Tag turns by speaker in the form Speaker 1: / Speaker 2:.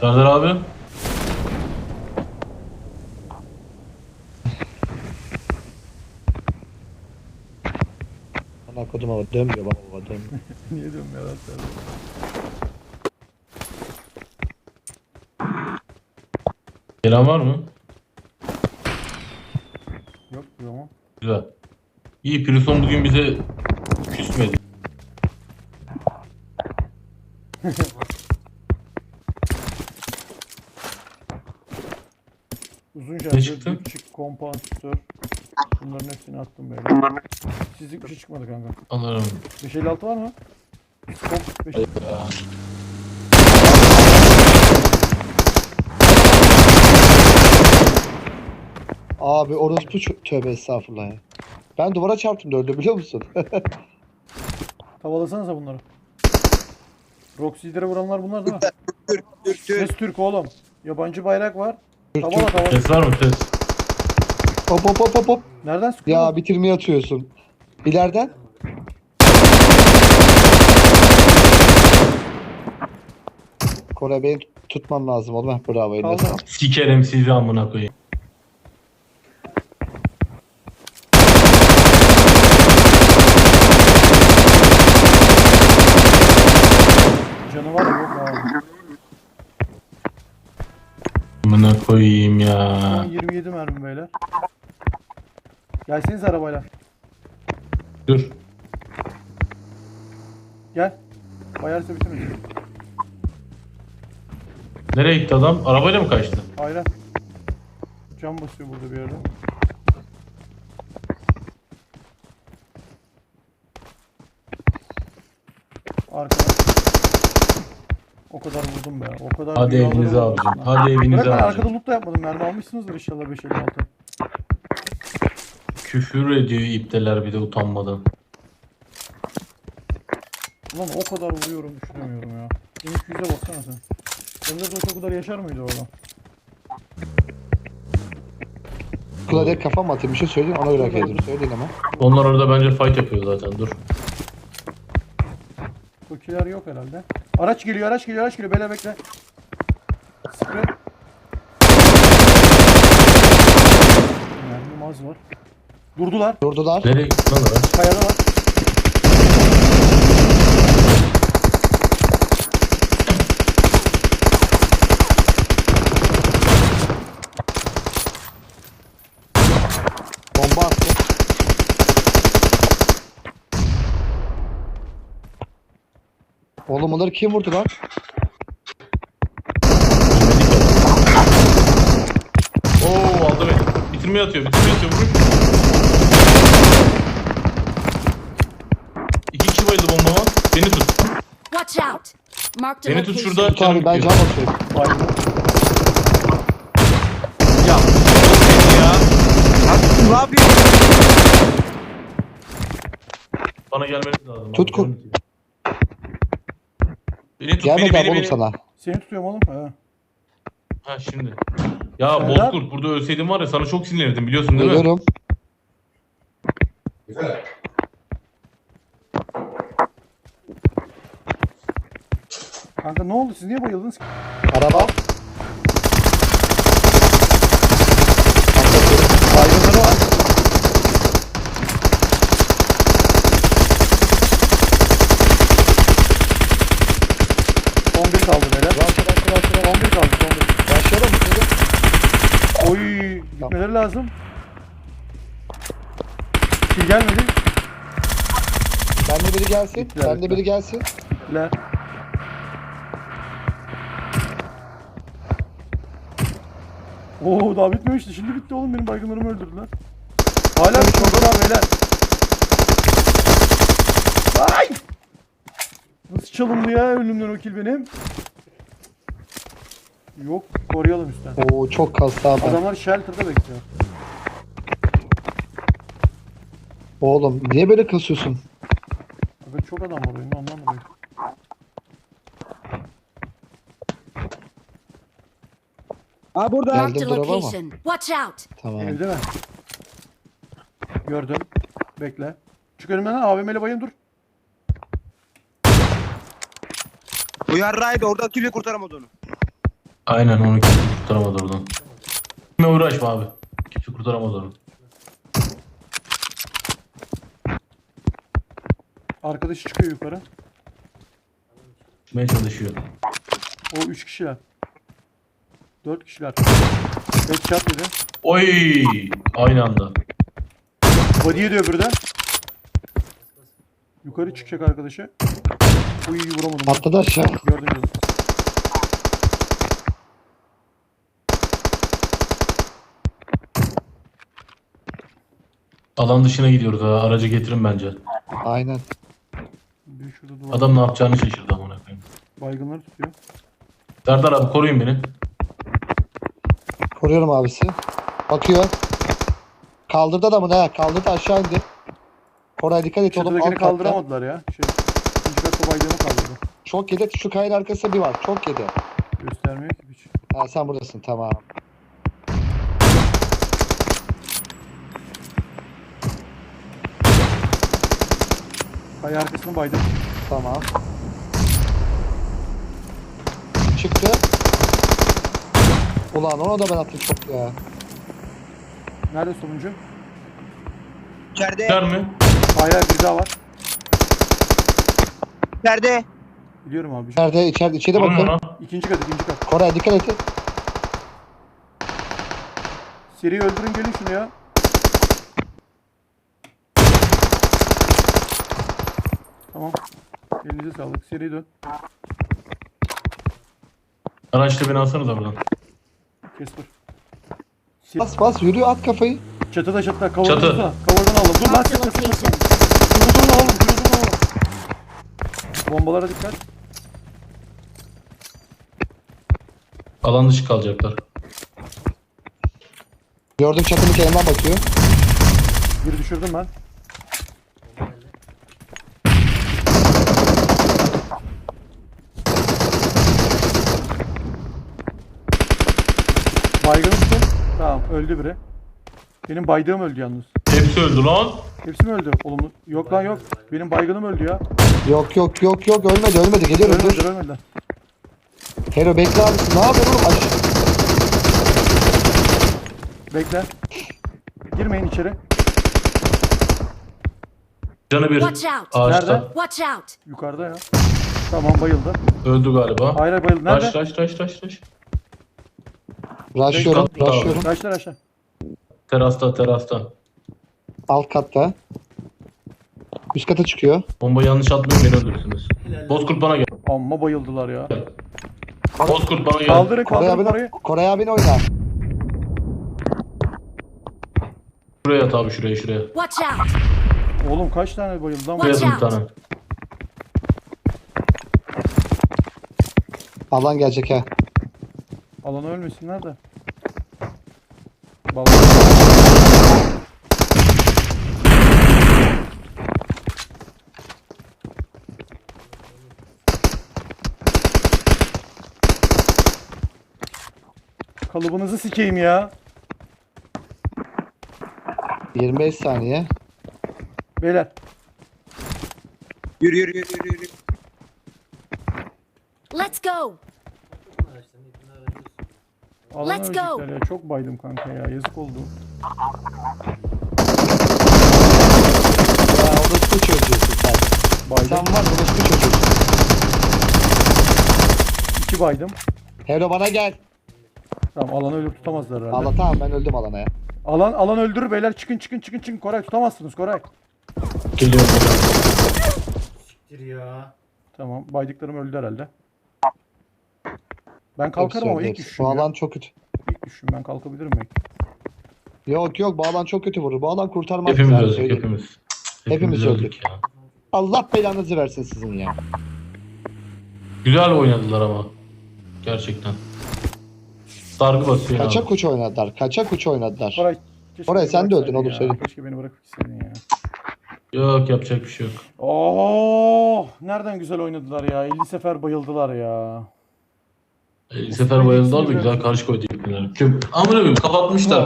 Speaker 1: Serdar abi.
Speaker 2: Ana kodum ama dönmüyor baba dönmüyor.
Speaker 3: Niye diyorum ya lan sen?
Speaker 1: Gelen var mı?
Speaker 3: Yok ama.
Speaker 1: Güzel. İyi, Prison bugün bize küsmedi.
Speaker 3: Uzun
Speaker 1: Ne
Speaker 3: şarjör,
Speaker 1: çıktı?
Speaker 3: dipçik, kompansatör. Bunların hepsini attım böyle. Sizlik bir şey çıkmadı kanka.
Speaker 1: Anlarım.
Speaker 3: 556 var mı? Top 5.
Speaker 2: Abi orospu tövbe estağfurullah ya. Ben duvara çarptım dördü biliyor musun?
Speaker 3: Tavalasanıza bunları. Roxy'lere vuranlar bunlar değil mi?
Speaker 4: Türk.
Speaker 3: Ses Türk oğlum. Yabancı bayrak var. Tavala.
Speaker 1: Ses var mı ses?
Speaker 2: Hop hop hop hop hop.
Speaker 3: Nereden sıkıyor?
Speaker 2: Ya bitirmeye atıyorsun. İleriden. Kore beni tutman lazım oğlum. Heh, bravo eline
Speaker 3: Kaldı.
Speaker 2: sağlık.
Speaker 1: Sikerim sizi amına koyayım.
Speaker 3: Canı var ya yok abi.
Speaker 1: Amına koyayım
Speaker 3: Şu
Speaker 1: ya.
Speaker 3: an 27 mermi beyler. Gelseniz arabayla.
Speaker 1: Dur.
Speaker 3: Gel. Bayarsa bitirmesin.
Speaker 1: Nereye gitti adam? Arabayla mı kaçtı?
Speaker 3: Aynen. Cam basıyor burada bir yerde. Arkada. O kadar vurdum be. O kadar.
Speaker 1: Hadi
Speaker 3: dünyaları
Speaker 1: evinize
Speaker 3: vurdum.
Speaker 1: abicim. Hadi evinize
Speaker 3: Bırak ben
Speaker 1: abicim.
Speaker 3: arkada loot da yapmadım. Mermi almışsınızdır inşallah 556.
Speaker 1: Küfür ediyor ipteler bir de utanmadan.
Speaker 3: Ulan o kadar vuruyorum düşünemiyorum ya. 1200'e baksana sen. Sende de o kadar yaşar mıydı orada?
Speaker 2: Kulağa kafam atayım bir şey söyleyin ona göre hareket edin. Söyleyin ama.
Speaker 1: Onlar orada bence fight yapıyor zaten, dur.
Speaker 3: Tokiler yok herhalde. Araç geliyor. Beyler bekle. Sprey. Mermim az var. Durdular.
Speaker 2: Durdular.
Speaker 1: Nereye gitti lan araç?
Speaker 3: Kayada var.
Speaker 2: Bomba attı. Oğlum onları kim vurdu lan?
Speaker 1: Oo, aldı beni. Bitirmeye atıyor. Vurun. İki kişi bayıldı bombama. Beni tut.
Speaker 5: Watch out! Marked a
Speaker 1: Beni tut
Speaker 5: location.
Speaker 1: şurada.
Speaker 2: Tut abi ben can basıyorum.
Speaker 3: Baygın.
Speaker 4: Ya. Ya. Lan ne yapıyorsun?
Speaker 1: Bana gelmeniz lazım.
Speaker 2: Tut
Speaker 1: abi. Beni tut,
Speaker 2: Gelmedi abi oğlum
Speaker 1: beni.
Speaker 2: sana.
Speaker 3: Seni tutuyorum oğlum. He.
Speaker 1: Ha şimdi. Ya
Speaker 3: Serdar.
Speaker 1: Bozkurt, burada ölseydin var ya sana çok sinirlenirdim, biliyorsun değil mi?
Speaker 2: Biliyorum.
Speaker 3: Kanka ne oldu? Siz niye bayıldınız ki?
Speaker 2: Araba.
Speaker 3: Baygınları var. Son bir kaldı beyler. Son bir kaldı.
Speaker 2: Başlayalım mı?
Speaker 3: Oy, gitmeleri lazım. Kill gelmedi.
Speaker 2: Bende biri gelsin.
Speaker 3: Bittiler,
Speaker 2: Bende
Speaker 3: bittiler.
Speaker 2: biri gelsin.
Speaker 3: Gittiler. Oo daha bitmemişti. Şimdi bitti oğlum. Benim baygınlarımı öldürdüler. Hala bitmedi beyler. Ay! Nasıl çalındı ya ölümden o kill benim? Yok, koruyalım üstten.
Speaker 2: Oo çok kastı abi.
Speaker 3: Adamlar shelter'da bekliyor.
Speaker 2: Oğlum niye böyle kasıyorsun?
Speaker 3: Bakın çok adam var oyunda ondan dolayı.
Speaker 4: Ha burada.
Speaker 2: Geldim
Speaker 5: Marked a
Speaker 2: duraba ama.
Speaker 5: location. Watch out!
Speaker 2: Tamam.
Speaker 3: Evde mi? Gördüm. Bekle. Çık önümden lan AVM'yle bayım dur.
Speaker 4: Bu yarraydı orada türlü kurtaramadı onu.
Speaker 1: Aynen onu kimse kurtaramadı oradan. Kime uğraşma abi. Kimse kurtaramadı onu.
Speaker 3: Arkadaşı çıkıyor yukarı.
Speaker 1: Çıkmaya çalışıyor.
Speaker 3: O 3 kişiler. 4 kişiler. Headshot dedi.
Speaker 1: Oy! Aynı anda.
Speaker 3: Body ediyor öbürü de. Yukarı çıkacak arkadaşı. Uy vuramadım.
Speaker 2: Atladı aşağı.
Speaker 3: Gördüm canım.
Speaker 1: Alan dışına gidiyoruz ha. Aracı getirin bence.
Speaker 2: Aynen.
Speaker 3: Bir şurada duvar.
Speaker 1: Adam ne yapacağını şaşırdı amına koyayım.
Speaker 3: Baygınları tutuyor.
Speaker 1: Serdar abi koruyun beni.
Speaker 2: Koruyorum abisi. Bakıyor. Kaldırdı adamı ha. Kaldırdı aşağı indi. Koray dikkat et oğlum. Alt
Speaker 3: Çatıdakini
Speaker 2: katta.
Speaker 3: kaldıramadılar ya. İkinci katta baygını kaldırdı.
Speaker 2: Çok yedi. Şu kayanın arkasında bir var. Çok yedi.
Speaker 3: Göstermiyor ki hiç.
Speaker 2: Ha sen buradasın tamam.
Speaker 3: Kaya arkasını baydım.
Speaker 2: Tamam. Çıktı. Ulan ona da ben attım çok ya.
Speaker 3: Nerede sonuncu?
Speaker 4: İçeride.
Speaker 1: Gider mi?
Speaker 3: Hayır bir daha var.
Speaker 4: İçeride.
Speaker 3: Biliyorum abi.
Speaker 2: Nerede? İçeri
Speaker 1: Vurun
Speaker 2: bakın.
Speaker 1: ona.
Speaker 3: İkinci kat, ikinci kat.
Speaker 2: Koray dikkat et.
Speaker 3: Seri öldürün gelin şunu ya. Tamam. Elinize sağlık. Seri dön.
Speaker 1: Araçla beni alsanıza buradan.
Speaker 3: Kesper.
Speaker 2: Bas bas yürü at kafayı.
Speaker 3: Çatıda çatıda. Kavurdan
Speaker 1: Çatı.
Speaker 3: tutsana. Kavurdan alalım. Dur lan
Speaker 5: Marked a
Speaker 3: sıkma sıkma sıkma.
Speaker 5: location.
Speaker 3: Durun alalım. Durun alalım. Bombalara dikkat.
Speaker 1: Alan dışı kalacaklar.
Speaker 2: Gördüm çatının kenarından bakıyor.
Speaker 3: Bir düşürdüm ben. Baygın üstü. Tamam öldü biri. Benim baydığım öldü yalnız.
Speaker 1: Hepsi öldü lan.
Speaker 3: Hepsi mi öldü? Olumlu. Yok lan yok. Benim baygınım öldü ya.
Speaker 2: Yok ölmedi geliyorum dur.
Speaker 3: Ölmediler ölmediler.
Speaker 2: Hero bekle abisi ne yapıyorsun oğlum?
Speaker 3: Bekle. Girmeyin içeri.
Speaker 5: Watch
Speaker 1: Canı bir
Speaker 5: out.
Speaker 1: ağaçta.
Speaker 3: Nerede?
Speaker 5: Watch out.
Speaker 3: Yukarıda ya. Tamam bayıldı.
Speaker 1: Öldü galiba.
Speaker 3: Hayır hayır, bayıldı. Nerede?
Speaker 1: Taş.
Speaker 2: Rushlıyorum
Speaker 1: Bekle.
Speaker 2: rushlıyorum.
Speaker 3: Kaçlar aşağı.
Speaker 1: Terasta.
Speaker 2: Alt katta. Üst kata çıkıyor.
Speaker 1: Bomba yanlış atmayın beni öldürürsünüz. Bozkurt bana gel.
Speaker 3: Amma bayıldılar ya.
Speaker 1: Bozkurt bana gel.
Speaker 3: Kaldırın
Speaker 2: Koray
Speaker 3: kaldırın
Speaker 2: abine,
Speaker 3: parayı.
Speaker 2: Koray abine oyna.
Speaker 1: Şuraya at abi şuraya.
Speaker 5: Watch out.
Speaker 3: Oğlum kaç tane bayıldı lan?
Speaker 1: Şuraya
Speaker 5: Watch
Speaker 1: at bir
Speaker 5: out.
Speaker 1: tane.
Speaker 2: Alan gelecek ha.
Speaker 3: Alana ölmesinler de. Vallahi. Kalıbınızı sikeyim ya.
Speaker 2: 25 saniye.
Speaker 3: Beyler.
Speaker 4: Yürü.
Speaker 5: Let's go.
Speaker 3: Alana
Speaker 5: Let's go.
Speaker 3: ölecekler ya. Çok baydım kanka ya. Yazık oldu.
Speaker 2: Ya orospu çocuğusun sen.
Speaker 3: Baydım.
Speaker 2: Sen var orospu çocuğusun.
Speaker 3: 2 baydım.
Speaker 2: Hero bana gel.
Speaker 3: Tamam alanı ölüp tutamazlar herhalde.
Speaker 2: Allah tamam ben öldüm alana ya.
Speaker 3: Alan öldürür beyler. Çıkın. Koray tutamazsınız Koray.
Speaker 1: Geliyorum.
Speaker 3: Tamam. Baydıklarım öldü herhalde. Ben kalkarım ama ilk
Speaker 2: Hepsi.
Speaker 3: düşüşüm
Speaker 2: Bu
Speaker 3: ya.
Speaker 2: alan çok kötü.
Speaker 3: İlk düşüşüm ben kalkabilirim belki.
Speaker 2: Yok bu alan çok kötü vurur. Bu alan kurtarmaz.
Speaker 1: Hepimiz
Speaker 2: yani,
Speaker 1: öldük
Speaker 2: söyleyeyim.
Speaker 1: hepimiz.
Speaker 2: Hepimiz öldük.
Speaker 1: ya.
Speaker 2: Allah belanızı versin sizin ya.
Speaker 1: Güzel oynadılar ama. Gerçekten. Sargı basıyor abi.
Speaker 2: Kaçak uç oynadılar. Kaçak uç oynadılar.
Speaker 3: Koray, keşke
Speaker 2: Koray,
Speaker 3: beni
Speaker 2: sen de öldün
Speaker 3: bıraksaydın
Speaker 2: oğlum,
Speaker 3: ya.
Speaker 2: söyle.
Speaker 3: Keşke beni bırakıp gitseydin ya.
Speaker 1: Yok yapacak bir şey yok.
Speaker 3: Oh, nereden güzel oynadılar ya. 50 sefer bayıldılar ya.
Speaker 1: Sefer bayıldılar da güzel karşı koydu. Amına koyayım kapatmışlar.